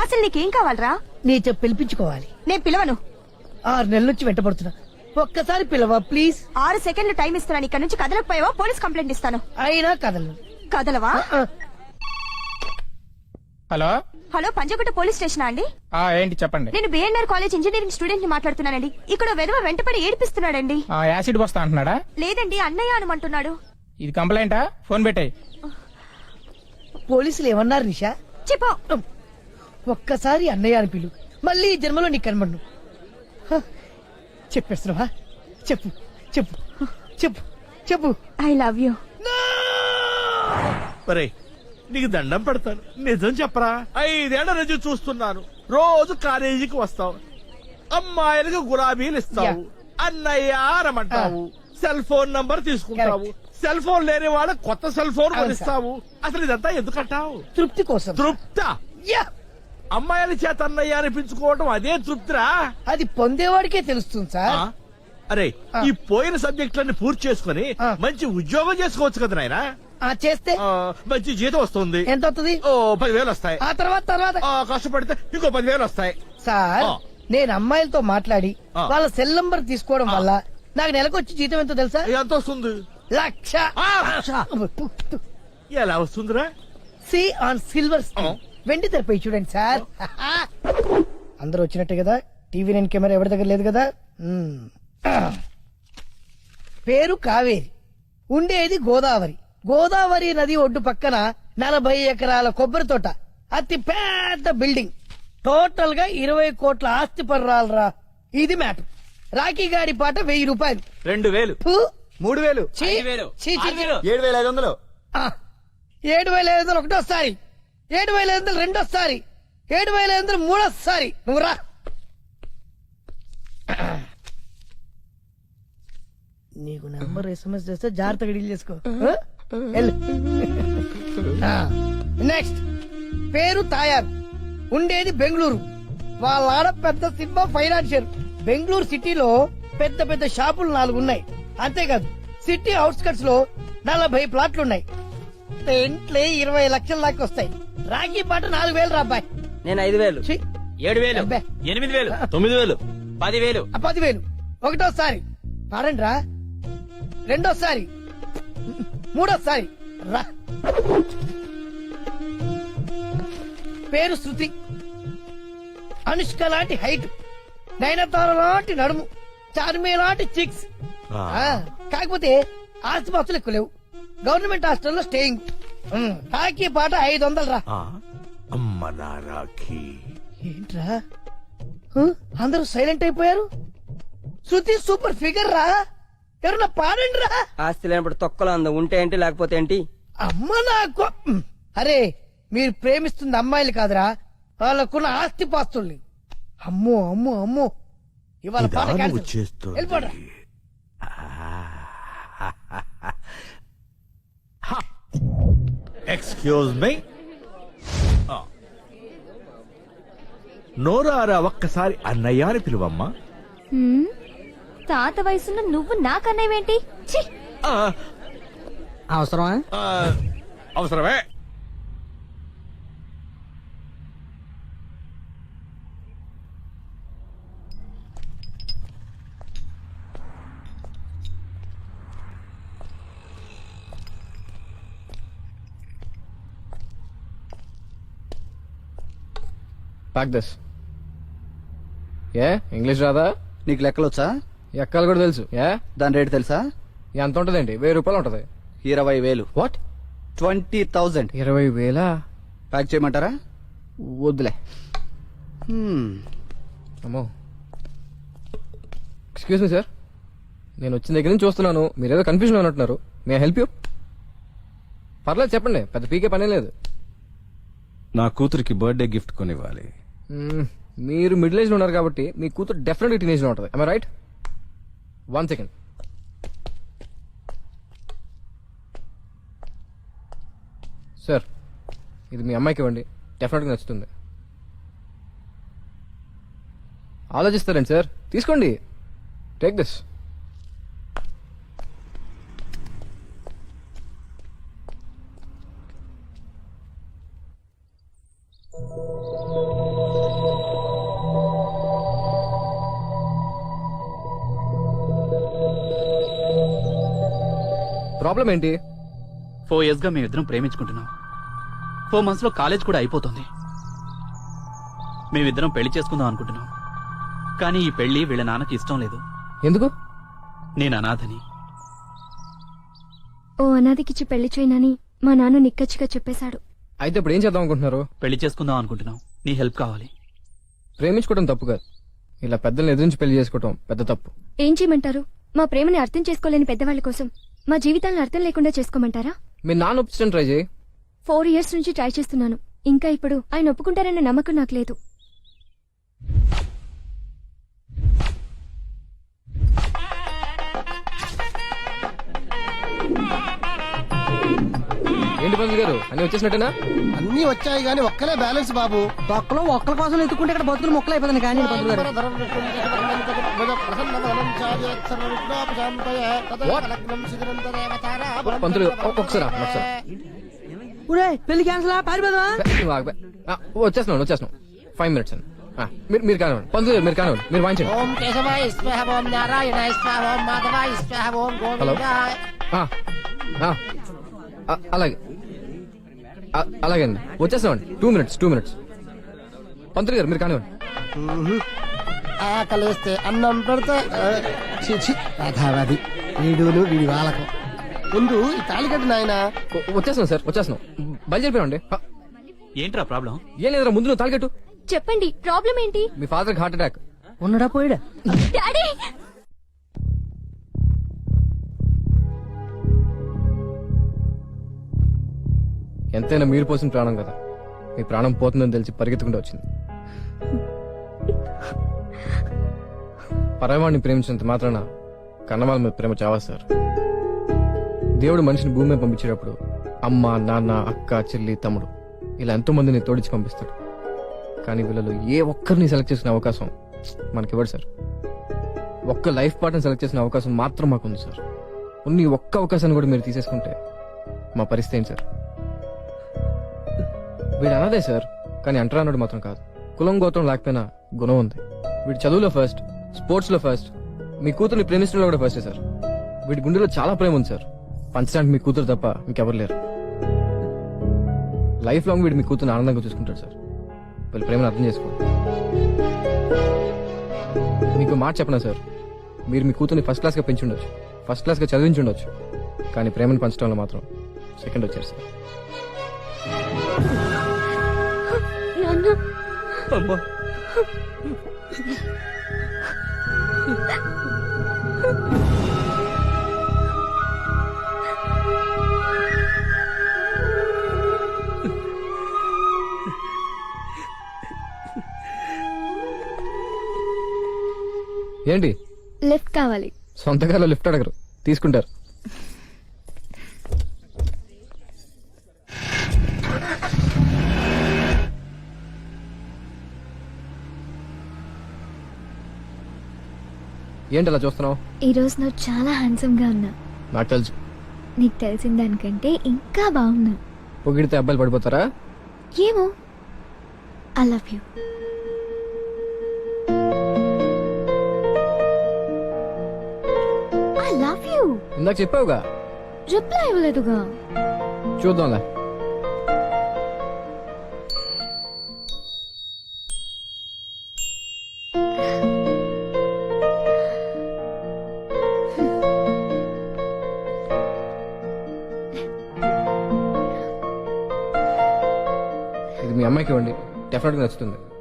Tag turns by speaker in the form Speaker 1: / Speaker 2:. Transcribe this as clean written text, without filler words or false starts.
Speaker 1: అసలు నీకేం కావాలరా?
Speaker 2: నీ చెప్పు పిలిపించుకోవాలి.
Speaker 1: నేను పిలవను.
Speaker 2: 6 నెలల నుంచి వెంటబడుతున్నా. ఒక్కసారి పిలవా ప్లీజ్.
Speaker 1: 6 సెకండ్లు టైం ఇస్తున్నాను. ఇక్కడ నుంచి కదలకపోయావా పోలీస్ కంప్లైంట్ ఇస్తాను.
Speaker 2: అయినా కదలను.
Speaker 1: కదలవా?
Speaker 3: Hello
Speaker 1: hello, Panjagutta police station అండి?
Speaker 3: ఏంటి చెప్పండి.
Speaker 1: నేను బిఎన్ఆర్ కాలేజ్ ఇంజనీరింగ్ స్టూడెంట్ ని మాట్లాడుతున్నానండి. ఇక్కడ వెధవ వెంటపడి ఏడిపిస్తున్నాడండి.
Speaker 3: యాసిడ్ వస్తా అంటున్నాడా?
Speaker 1: లేదండి, అన్నయ్య అనమంటున్నాడు.
Speaker 3: ఇది కంప్లైంటా? ఫోన్ పెట్టాయి.
Speaker 2: పోలీసులు ఏమన్నారు నిషా?
Speaker 1: చెప్పు.
Speaker 2: ఒక్కసారి అన్నయ్య అని పిలు, మళ్ళీ ఈ జన్మలో నీకు కనబడను. చెప్పేస్తున్నావా? చెప్పు చెప్పు చెప్పు చెప్పు.
Speaker 1: I love you.
Speaker 4: నీకు దండం పెడతాను, నిజం చెప్పరా? 5 ఏళ్ల నుంచి చూస్తున్నాను. రోజు కాలేజీకి వస్తావు, అమ్మాయిలకు గులాబీలు ఇస్తావు, అన్నయ్య రమ్మంటావు, సెల్ ఫోన్ నంబర్ తీసుకుంటావు, సెల్ ఫోన్ లేని వాళ్ళ కొత్త సెల్ ఫోన్ కొనిస్తావు. అసలు ఇదంతా ఎందుకంటావు?
Speaker 2: తృప్తి కోసం.
Speaker 4: తృప్తా? అమ్మాయిల చేత అన్నయ్య అనిపించుకోవడం అదే తృప్తిరా?
Speaker 2: అది పొందేవాడికే తెలుస్తుంది సార్.
Speaker 4: అరే, ఈ పోయిన సబ్జెక్టులన్నీ పూర్తి చేసుకుని మంచి ఉద్యోగం చేసుకోవచ్చు కదా నాయనా.
Speaker 2: చేస్తే
Speaker 4: మంచి జీతం వస్తుంది.
Speaker 2: ఎంత వస్తుంది?
Speaker 4: 10,000 వస్తాయి.
Speaker 2: ఆ తర్వాత
Speaker 4: కష్టపడితే ఇంకో 10,000 వస్తాయి.
Speaker 2: సార్, నేను అమ్మాయిలతో మాట్లాడి వాళ్ళ సెల్ నంబర్ తీసుకోవడం వల్ల నాకు నెలకొచ్చి జీతం ఎంతో తెలుసా?
Speaker 4: ఎంత వస్తుంది?
Speaker 2: 1,00,000.
Speaker 4: ఎలా వస్తుందిరా?
Speaker 2: సి ఆన్ సిల్వర్ స్క్రీన్, వెండి తెరపై చూడండి సార్. అందరూ వచ్చినట్టే కదా? టీవీ 9 కెమెరా ఎవరి దగ్గర లేదు కదా? పేరు కావేరి, ఉండేది గోదావరి. గోదావరి నది ఒడ్డు పక్కన 40 ఎకరాల కొబ్బరి తోట, అతి పెద్ద బిల్డింగ్, టోటల్ గా 20 కోట్ల ఆస్తి పర్రాలరా. ఇది మ్యాటర్. రాఖీ గాడి పాట 1000 రూపాయలు.
Speaker 5: 2,000 3,000 7,500
Speaker 2: 7,500 ఒకటోసారి, 7,500 రెండోసారి, 7,500 మూడోసారి. నువ్వు రా. నీకు నెంబర్ SMS చేస్తే జాగ్రత్తగా డీల్ చేసుకో. నెక్స్ట్, పేరు తాయారు, ఉండేది బెంగళూరు. వాళ్ళ ఆడ పెద్ద సినిమా ఫైనాన్షియర్. బెంగళూరు సిటీలో పెద్ద పెద్ద షాపులు 4 ఉన్నాయి. అంతేకాదు సిటీ అవుట్స్కట్స్ లో 40 ప్లాట్లున్నాయి. ఇంట్లో 20 లక్షల దాకా వస్తాయి. రాఖీ పాట 4,000 రాబాయ్.
Speaker 5: నేను 5,000
Speaker 2: ఛీ,
Speaker 5: 7,000 8,000 9,000 10,000
Speaker 2: 10,000 ఒకటోసారి. పాడండి రా. రెండోసారి, మూడోసారి రా. పేరు శృతి, అనుష్క లాంటి హైట్, నయనతార లాంటి నడుము, చార్మి లాంటి చిక్స్. కాకపోతే ఆస్తిపాస్తులు ఎక్కువ లేవు. గవర్నమెంట్ హాస్టల్లో స్టేయింగ్. రాఖీ పాట 500 రా.
Speaker 4: అమ్మ నా రాఖీ.
Speaker 2: ఏంట్రా అందరూ సైలెంట్ అయిపోయారు? శృతి సూపర్ ఫిగర్ రా. ఎవరన్నా పాడండి రా.
Speaker 5: ఆస్తి లేనప్పుడు తొక్కలో అందం ఉంటే ఏంటి లేకపోతే ఏంటి?
Speaker 2: అమ్మ నాకు. అరే, మీరు ప్రేమిస్తుంది అమ్మాయిలు కాదురా, వాళ్ళకున్న ఆస్తి పాస్తుల్ని. అమ్మో అమ్మో అమ్మో, ఇవాళ పాట క్యాన్సిల్. వెళ్ళిపోరా.
Speaker 4: Excuse me. నోరారా ఒక్కసారి అన్నయ్య అని పిలువమ్మా.
Speaker 1: తాత వయసున్న నువ్వు నాకన్నయ్యేంటి?
Speaker 5: అవసరమా?
Speaker 4: అవసరమే.
Speaker 6: Pack this. ఇంగ్లీష్ రాదా?
Speaker 5: నీకు లెక్కలు వచ్చా?
Speaker 6: ఎక్కలు కూడా తెలుసు.
Speaker 5: దాని రేటు తెలుసా?
Speaker 6: ఎంత ఉంటదేంటి? 1,000 రూపాయలు ఉంటది.
Speaker 5: 20,000.
Speaker 6: వాట్?
Speaker 5: 20,000.
Speaker 6: 20,000?
Speaker 5: ప్యాక్ చేయమంటారా?
Speaker 6: వద్దులే. అమ్మో. ఎక్స్క్యూజ్ మీ సార్, నేను వచ్చిన దగ్గర నుంచి చూస్తున్నాను మీరేదో కన్ఫ్యూజన్ ఉన్నట్టున్నారు. May help you? పర్లేదు చెప్పండి, పెద్ద పీకే పనే లేదు.
Speaker 7: నా కూతురికి బర్త్డే గిఫ్ట్ కొనివ్వాలి.
Speaker 6: మీరు మిడిల్ ఏజ్ లో ఉన్నారు కాబట్టి మీ కూతురు డెఫినెట్గా టీనేజ్ లో ఉంటుంది. I right? 1 సెకండ్. సార్, ఇది మీ అమ్మాయికి ఇవ్వండి, డెఫినెట్గా నచ్చుతుంది. ఆలోచిస్తారండి సార్, తీసుకోండి. Take this. ప్రాబ్లం ఏంటి?
Speaker 8: 4 years గా మేమిద్దరం ప్రేమించుకుంటున్నాం. 4 months లో కాలేజ్ కూడా అయిపోతుంది. మేమిద్దరం పెళ్లి చేసుకుందాం అనుకుంటున్నాం. కానీ ఈ పెళ్లి వీళ్ళ నాన్నకి ఇష్టం లేదు.
Speaker 6: ఎందుకు?
Speaker 8: నేను అనాథని.
Speaker 1: ఓ అనాథకిచ్చి పెళ్లి చేయనని మా నాన్న నిక్కచ్చిగా చెప్పేశాడు.
Speaker 6: అయితే ఇప్పుడు ఏం చేద్దాం అనుకుంటున్నారు?
Speaker 8: పెళ్లి చేసుకుందాం అనుకుంటున్నాం. నీ హెల్ప్ కావాలి.
Speaker 6: ప్రేమించుకోవడం తప్పు కాదు, ఇలా పెద్దల్ని ఎదురించి పెళ్లి చేసుకోవడం పెద్ద తప్పు.
Speaker 1: ఏం చేయమంటారు? మా ప్రేమని అర్థం చేసుకోలేని పెద్దవాళ్ళ కోసం మా జీవితాలను అర్థం లేకుండా చేసుకోమంటారా?
Speaker 6: మీ నాన్న ఒప్పించడం ట్రై చేయి.
Speaker 1: 4 years నుంచి ట్రై చేస్తున్నాను. ఇంకా ఇప్పుడు ఆయన ఒప్పుకుంటారన్న నమ్మకం నాకు లేదు.
Speaker 6: ఏంటి పంతులు గారు, అన్ని వచ్చేసినట్టేనా?
Speaker 2: అన్ని వచ్చాయి గానీ ఒక్కలే బ్యాలెన్స్ బాబు.
Speaker 9: తొక్కలో ఒక్కల కోసం ఎత్తుకుంటే ఇక్కడ బతుకులు మొక్కలు అయిపోతుంది కానీ పంతులు గారు.
Speaker 6: పంతులు ఒకసారి ఒకసారి
Speaker 9: ఊరే పెళ్లి క్యాన్సిల్ పారిపోదా?
Speaker 6: వచ్చేస్తున్నాను 5 minutes అండి. మీరు కానివ్వండి పంతులు గారు, మీరు కానివ్వండి, మీరు వాయించండి.
Speaker 2: ఓం కేశవాయ స్వాహ, ఓం నారాయణాయ స్వాహ, ఓం మాధవాయ స్వాహ, ఓం గోవిందాయ.
Speaker 6: అలాగే అలాగే అండి, వచ్చేస్తామండి. 2 minutes. పంతులు గారు మీరు కానివ్వండి.
Speaker 2: ఆకలేస్తే అన్నం పెడితే చిచి కథావాది వీడును వీడి వాళ్ళకు. ముందు ఈ తాళికట్టు నాయన.
Speaker 6: వచ్చేస్తున్నాం సార్, వచ్చేస్తున్నాం. బయలుదేరిపోయామండి.
Speaker 8: ఏంట్రా ప్రాబ్లం?
Speaker 6: ఏం లేదురా, ముందు నువ్వు తాలికట్టు.
Speaker 1: చెప్పండి, ప్రాబ్లం ఏంటి?
Speaker 6: మీ ఫాదర్కి హార్ట్ అటాక్.
Speaker 9: ఉన్నడా పోయాడా?
Speaker 1: డాడీ!
Speaker 6: ఎంతైనా మీరు పోసిన ప్రాణం కదా, మీ ప్రాణం పోతుందని తెలిసి పరిగెత్తుకుంటూ వచ్చింది. పరవాడిని ప్రేమించినంత మాత్రాన కన్నవాళ్ళ మీద ప్రేమ చావా సార్. దేవుడు మనిషిని భూమి మీద పంపించేటప్పుడు అమ్మ, నాన్న, అక్క, చెల్లి, తమ్ముడు ఇలా ఎంతో మందిని తోడిచి పంపిస్తాడు. కానీ వీళ్ళలో ఏ ఒక్కరిని సెలెక్ట్ చేసిన అవకాశం మనకివ్వడు సార్. ఒక్క లైఫ్ పార్ట్నర్ సెలెక్ట్ చేసిన అవకాశం మాత్రం మాకుంది సార్. ఉన్న ఒక్క అవకాశాన్ని కూడా మీరు తీసేసుకుంటే మా పరిస్థితి ఏంటి సార్? వీడు అన్నదే సార్, కానీ అంటరా అన్నాడు మాత్రం కాదు. కులం గోత్రం లేకపోయినా గుణం ఉంది. వీడి చదువులో ఫస్ట్, స్పోర్ట్స్ లో ఫస్ట్, మీ కూతుర్ని ప్రేమించడంలో కూడా ఫస్టే సార్. వీడి గుండెలో చాలా ప్రేమ ఉంది సార్. పంచడానికి మీ కూతురు తప్ప ఇంకెవరు లేరు. లైఫ్ లాంగ్ వీడు మీ కూతురుని ఆనందంగా చూసుకుంటాడు సార్. వీళ్ళ ప్రేమను అర్థం చేసుకోండి. మీకు మాట చెప్పనా సార్, మీరు మీ కూతుర్ని ఫస్ట్ క్లాస్ గా పెంచుండొచ్చు, ఫస్ట్ క్లాస్ గా చదివించుండొచ్చు, కానీ ప్రేమను పంచడంలో మాత్రం సెకండ్ వచ్చారు సార్.
Speaker 1: నాన్న,
Speaker 8: అమ్మా,
Speaker 6: ఏంటి
Speaker 1: లిఫ్ట్ కావాలి.
Speaker 6: సొంతకాలో లిఫ్ట్ అడగరు, తీసుకుంటారు. ఏంటి అలా చూస్తున్నావు?
Speaker 1: ఈ రోజు నువ్వు చాలా హ్యాండ్సమ్ గా ఉన్నా.
Speaker 6: నాకు తెలుసు.
Speaker 1: నీకు తెలిసిన దానికంటే ఇంకా బాగున్నా.
Speaker 6: పొగిడితే అబ్బాయిలు పడిపోతారా?
Speaker 1: ఏమో. I love you. I love you.
Speaker 6: ఇందాక చెప్పావుగా.
Speaker 1: రిప్లై ఇవ్వలేదుగా.
Speaker 6: చూద్దాంలే. ఇది మీ అమ్మాయికి ఇవ్వండి, డెఫినెట్గా నచ్చుతుంది.